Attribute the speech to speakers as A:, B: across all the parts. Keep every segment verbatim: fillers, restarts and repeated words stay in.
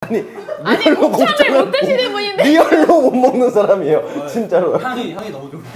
A: 아니
B: 아니 곱창을 못 드시는 분인데
A: 리얼로 못 먹는 사람이에요. 진짜로.
C: 향이 향이 너무 좋아.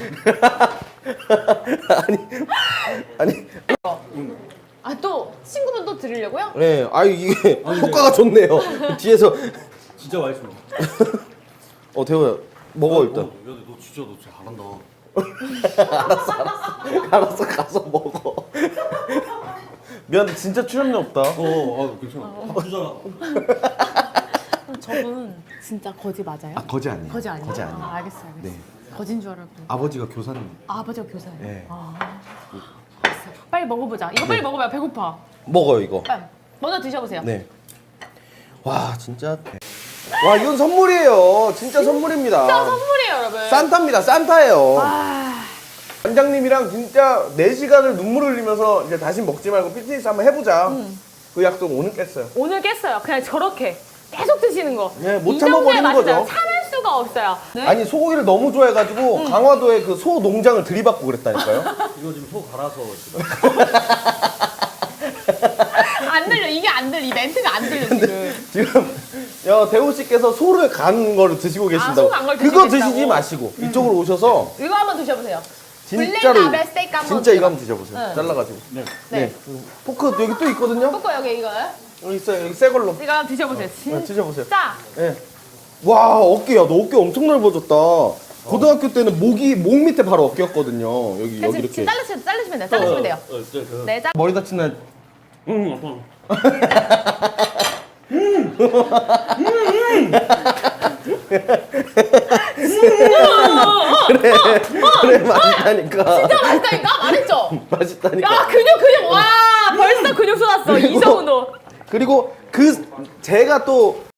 A: 아니 아니.
B: 아 또 친구분 또 드리려고요?
A: 네, 아 이게
C: 아니,
A: 효과가 좋네요. 뒤에서
C: 진짜 맛있어.
A: 어 대호야 먹어 일단.
C: 어, 야, 너 진짜 너 진짜 잘한다.
A: 알았어 가서 먹어. 미안해 진짜 출연료 없다.
C: 어, 아 괜찮아. 주잖아.
B: 저분 진짜 거지 맞아요?
A: 아 거지 아니에요.
B: 거지 아니에요?
A: 거지 아니에요.
B: 아, 알겠어 알겠어.
A: 네.
B: 거진 줄 알았고.
A: 아버지가 교사님.
B: 아, 아버지가 교사예요?
A: 네.
B: 아, 알았어. 빨리 먹어보자. 이거 빨리 먹어봐요. 배고파.
A: 먹어요 이거.
B: 빨리. 먼저 드셔보세요.
A: 네. 와 진짜. 와 이건 선물이에요. 진짜 선물입니다.
B: 진짜 선물이에요 여러분.
A: 산타입니다. 산타예요.
B: 아,
A: 원장님이랑 진짜 네 시간을 눈물 흘리면서 이제 다시 먹지 말고 피트니스 한번 해보자.
B: 음.
A: 그 약속 오늘 깼어요.
B: 오늘 깼어요. 그냥 저렇게 계속 드시는 거.
A: 네, 못
B: 이
A: 참아버리는
B: 정도의 맛이잖아요.
A: 거죠.
B: 참을 수가 없어요. 네?
A: 아니 소고기를 너무 좋아해가지고
B: 음.
A: 강화도에 그 소 농장을 들이받고 그랬다니까요.
C: 이거 지금 소 갈아서 지금.
B: 안 들려. 이게 안 들려. 이 멘트가 안 들려 지금.
A: 지금 야, 대호 씨께서 소를 간 거를 드시고 계신다고.
B: 소간 걸
A: 그거
B: 드시겠다고?
A: 드시지 마시고 이쪽으로 오셔서
B: 이거 한번 드셔보세요.
A: 진짜로
B: 블랙라벨 스테이크 한번
A: 진짜 이거
B: 드셔봐.
A: 한번 드셔보세요.
B: 네.
A: 잘라가지고.
C: 네.
B: 네.
A: 포크 여기 또 있거든요.
B: 뽀뽀 여기 이거.
A: 여기 있어요. 여기 새 걸로.
B: 이거 한번 드셔보세요.
A: 네, 드셔보세요.
B: 진짜.
A: 예. 와 어깨야 너 어깨 엄청 넓어졌다. 고등학교 때는 목이 목 밑에 바로 어깨였거든요. 여기
B: 그래서
A: 여기 이렇게.
B: 지금 자르시면 자르시면 돼요. 자르시면 돼요.
C: 어, 진짜 그.
B: 네, 자.
A: 머리 다친 날
C: 응, 아빠.
A: 그래 맛있다니까.
B: 진짜 맛있다니까 말했죠.
A: 맛있다니까.
B: 야 근육 근육 와 벌써 근육 쏟았어 이 정도.
A: 그리고 그 제가 또